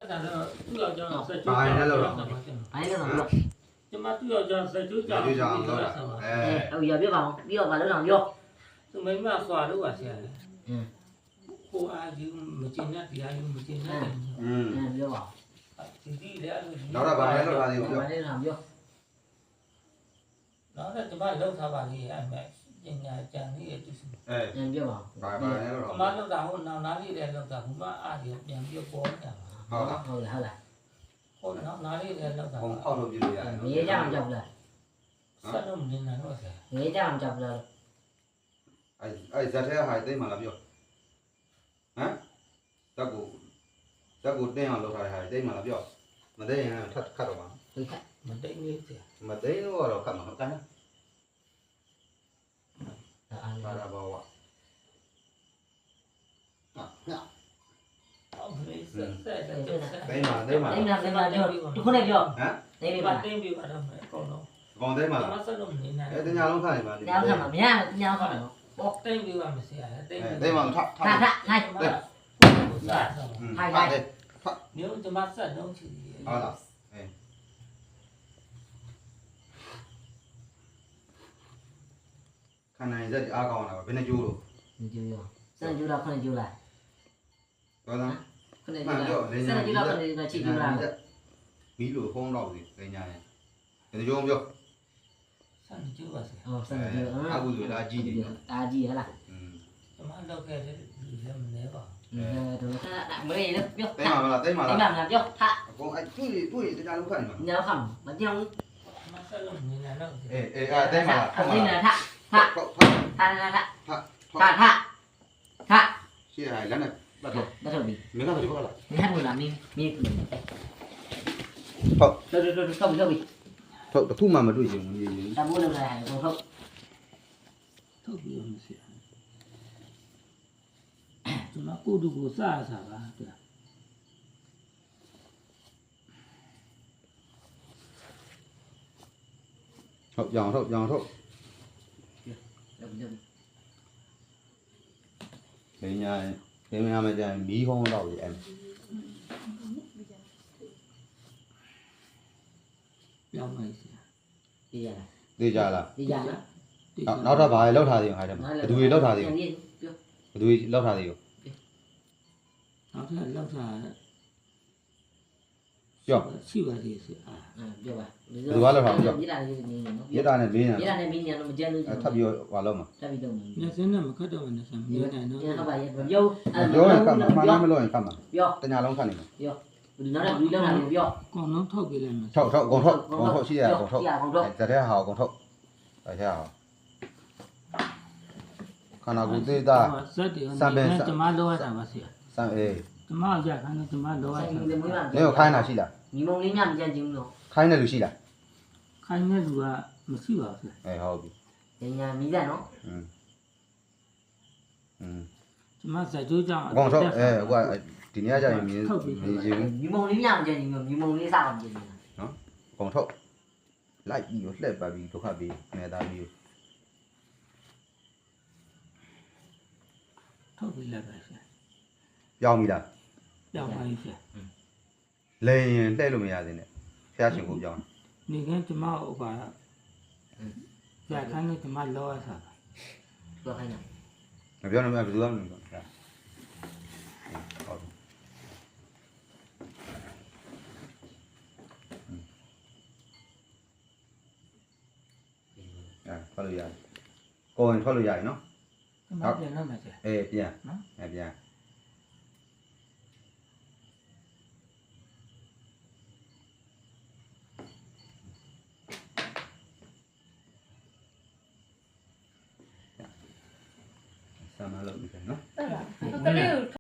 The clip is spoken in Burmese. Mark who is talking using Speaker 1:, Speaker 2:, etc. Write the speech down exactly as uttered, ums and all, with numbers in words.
Speaker 1: ဒါတော့သူ့ယောက်ျားဆက်ကျိုး
Speaker 2: ဘာလဲလို့
Speaker 3: ဘာလဲတော့
Speaker 1: ကျမသူ့ယောက်ျားဆက်ကျိုးကြောင်
Speaker 2: ဒီကြောင်တော့အဲ
Speaker 3: အဲ့ရပြပါအောင်ပြီးတော့ဘာလို့တော့ပြော
Speaker 1: သူမိမဆွာလို့ပါဆရာ
Speaker 3: อืม
Speaker 1: ကိုအားကြီးမကျင်တဲ့တရားကြီးမကျင်တဲ့
Speaker 2: อืม
Speaker 3: အဲ့ပြောပါ
Speaker 1: ဒီဒီလည်းအဲ့လို
Speaker 2: နောက်တော့ဘာလဲလို့ထားသေးဘူးပြော
Speaker 3: ဘာလဲတော့ပြော
Speaker 1: နောက်တော့ကျမလောက်ထားပါလေအဲ့မဲ့ပညာကြံလေးရဲ့သူစ
Speaker 2: အဲ
Speaker 3: အဲ့ပြောပါ
Speaker 2: ဘာဘာလဲလို့
Speaker 1: ကျမလောက်တာဟိုနောက်နားလေးလည်းလောက်တာဘုမအားကြီးပြန်ပြီးပေါ်နေတာပါ
Speaker 2: ဟုတ်လား
Speaker 3: ဟုတ်လားဟုတ်လား
Speaker 1: ဟိုနောက်နားလေးလည်းလောက်တာ
Speaker 2: ဘုံဖောက်လို့ပြလို့ရတယ်
Speaker 3: ငရေကြအောင်ကြောက်လား
Speaker 1: ဆက်လို့မနေနိုင်တော့ဆရာ
Speaker 3: ငရေကြအောင်ကြောက်လား
Speaker 2: အဲအဲဇက်ထဲဟာသိမှလားပြောဟမ်တက်ကိုတက်ကိုတင်းအောင်လုပ်ထားတဲ့ဟာသိမှလားပြောမသိရင်ထပ်ခတ်တော့ပါ
Speaker 3: ဟုတ်ကဲ့
Speaker 1: မတိတ်နေဆရာ
Speaker 2: မသိလို့ကတော့ခတ်မှာဟုတ်တယ်
Speaker 3: အား
Speaker 2: ဘာ
Speaker 3: လား
Speaker 2: သာဘောဝဟာဟာ
Speaker 1: ဟုတ်ပြီဆက်ဆက်ဆက်
Speaker 2: သိမှသိမှ
Speaker 3: အဲ့ဒါကပြောဒီခုနဲ့ပြော
Speaker 2: ဟမ်
Speaker 3: နေပြီ
Speaker 1: ပါ
Speaker 3: ပါ
Speaker 1: တင်းပြီးပါတော့မယ်အကုန်လုံး
Speaker 2: ကောင်သိမှ
Speaker 1: ကျ
Speaker 2: လား
Speaker 1: မဆက်လို့မနေနိုင်
Speaker 2: အဲတညာလုံးခတ်နေပါလိမ့်
Speaker 3: ညောင်းခါမှာမရညောင်းခါမှာနော်
Speaker 1: ပေါ့တင်းပြီးပါမဆရာတင်း
Speaker 2: အဲ
Speaker 1: ပြီး
Speaker 2: သိမှထထ
Speaker 3: ထားထားထိုင်
Speaker 1: ဆက်ဆက်
Speaker 2: ထိုင်ထိုင်
Speaker 1: မျိုးကျမဆက်လုံးချီ
Speaker 2: ဟုတ်လားအဲခန္ဓာရင်ဇက်အားကောင်းလာပါဘယ်နှကျိုးလို့
Speaker 3: ဒီကျိုးစံကျိုးတော့ခုနဲ့ကျိုးလိုက်
Speaker 2: တော်သား
Speaker 3: ခုနဲ့ကျိုးလိုက်စံကျိုးတော့ခုနဲ့ချီကျိုးလိုက်
Speaker 2: မီးလို့ဖုံးတော့ပြီသိညာရင်ဒီကြောပြော
Speaker 1: ဆန်ကျိုးပါဆရာ
Speaker 3: ဟောစံကျိုး
Speaker 2: အခုဆိုလာကြည့်နေ
Speaker 3: အာကြီးဟလား
Speaker 2: อืม
Speaker 1: ကျမလောက်ခဲ့တဲ့လူလည်းမနေပါ
Speaker 3: အဲတော့ထားမလေးနော်ပြော
Speaker 2: သိမှာမလားသိမှာ
Speaker 3: ဒီ
Speaker 2: လား
Speaker 3: မှာမပြောထား
Speaker 2: အကုန်အဲ့တွေ့တွေ့တရားလုံးခတ်နေမှာ
Speaker 3: ညောင်းခါမညောင်း
Speaker 1: ကျမဆက်လို့မနေနိုင်တော့
Speaker 2: အေးအေးအဲ့သိမှာလား
Speaker 3: အဲ့ဒါထားထား
Speaker 2: ဟုတ်
Speaker 3: ထားထားထား
Speaker 2: ဟုတ်
Speaker 3: ထားထားထား
Speaker 2: ရှေ့ဟာလက်နဲ့ပတ်တော့
Speaker 3: ဒါတော့ဒီ
Speaker 2: မင်းကတော့ဒီဘက်ကလား
Speaker 3: မင်းဟဲ့လာမင်းမင်း
Speaker 2: ဟုတ်
Speaker 3: တို့တို့တို့ဆောက်ပြီးဆောက်ပြီး
Speaker 2: ဟုတ်တခုမှမတွေ့ချင်ဘူးကြီး
Speaker 3: တမိုးလုံးလာဟိုထုတ်
Speaker 1: ထုတ်ပြီးမဆရာကျမကိုတူကိုစားစားပါတဲ့
Speaker 2: ဟုတ်ကြောင်ထုတ်ကြောင်ထုတ်
Speaker 3: လုံးလုံး
Speaker 2: သိညာသိညာမကြရင်မီးဟုံးတော့ပြီအဲ့
Speaker 1: ပြောင်းလိုက်ဆရာ
Speaker 3: ဒီရ
Speaker 2: သိကြလား
Speaker 3: ဒီရ
Speaker 2: နောက်တော့ဘာလဲလောက်ထားသေးအောင်ဟာတယ်ဘယ်သူတွေလောက်ထားသေးအောင်
Speaker 3: ပြော
Speaker 2: ဘယ်သူတွေလောက်ထားသေးအောင်
Speaker 1: နောက်ထပ်လောက်စား
Speaker 2: ပြော
Speaker 1: ရှိပါသေးဆရာ
Speaker 3: ပြောပါရတာလေးနေနော်
Speaker 2: ရတာနဲ့မင်း
Speaker 3: ရတာနဲ့မင်းညာတော့မကြမ်းလို့
Speaker 2: ထပ်ပြီးဘာလို့မ
Speaker 3: ထပ်ပြီးတော့
Speaker 1: ညစင်းနဲ့မခတ်တော့မနေစမ်းမနေနိုင်တော့
Speaker 3: ညာဟုတ်ပါရဲ့ပြော
Speaker 2: ပြောရင်ကတ်မှာမှန်လားမလို့ရင်ကတ်မှာ
Speaker 3: ပြော
Speaker 2: တညာလုံးခတ်နေမှာ
Speaker 3: ပြောဒီနောက်တော့ဒီလောက်လာပြော
Speaker 1: ကောင်းလုံးထုတ်ပြလိုက်မယ်
Speaker 2: ထုတ်ထုတ်အကုန်ထုတ်အကုန်ထုတ်ရှိရအကုန်ထုတ်
Speaker 3: ရအောင်တော့
Speaker 2: ဇတဲ့ဟာအကုန်ထုတ်အဲရအောင်ခန္ဓာကိုယ်သေးတာ
Speaker 1: ဇက်တွေကျမလောရတာပါဆရာ
Speaker 2: စမ်းအေး
Speaker 1: ကျမရခိုင်းတော့ကျမလောရ
Speaker 3: ဆိုင်
Speaker 1: တာ
Speaker 3: နေမွေးမှာ
Speaker 2: မင်းကိုခိုင်းတာရှိလား
Speaker 3: ညီမလေးညမကြမ်းချင်းလို့
Speaker 2: ခိုင်းတဲ့လူရှိလား
Speaker 1: ခိုင်းတဲ့လူကမရှိပါဘူး
Speaker 2: အဲဟုတ်ပြီ
Speaker 3: ညာမီးတယ်နော်
Speaker 2: อืมอืม
Speaker 1: ကျမဇက်ကျိုးကြောင့်
Speaker 2: အကုန်ထုတ်အဲဟိုကဒီနေ့ကကြာရင်မြင်မြင်ချင်း
Speaker 3: ညီမလေးညမကြမ်းချင်းလို့ညီမလေးစားအောင်ကြည့်နေတာ
Speaker 2: အကုန်ထုတ်လိုက်ပြီးတော့လှက်ပတ်ပြီးဒုက္ခပြီးနေသားပြီး
Speaker 1: ထုတ်ပြလိုက်ပါဆရာ
Speaker 2: ပြောင်းပြီလား
Speaker 1: ပြောင်းပါပြီဆရာ
Speaker 2: လဲရင်လှည့်လို့မရသေးနဲ့ဖျားရှင်ကိုပြောင်း
Speaker 1: နေကကျမဥပါရခိုင်းတဲ့ကျမလောရတာ
Speaker 3: ပြောခိုင်းတာ
Speaker 2: မပြောနဲ့ဘယ်သူမှမပြောဖျားဟုတ်အဲထွက်လို့ရတယ်ကိုယ်ရင်ထွက်လို့ရတယ်နော်
Speaker 1: ကျမပြန်တော့မယ်ဆရာ
Speaker 2: အေးပြန်နော်အဲပြန်ဆမ်းမလို့ပြီနော်
Speaker 4: ကလေးကို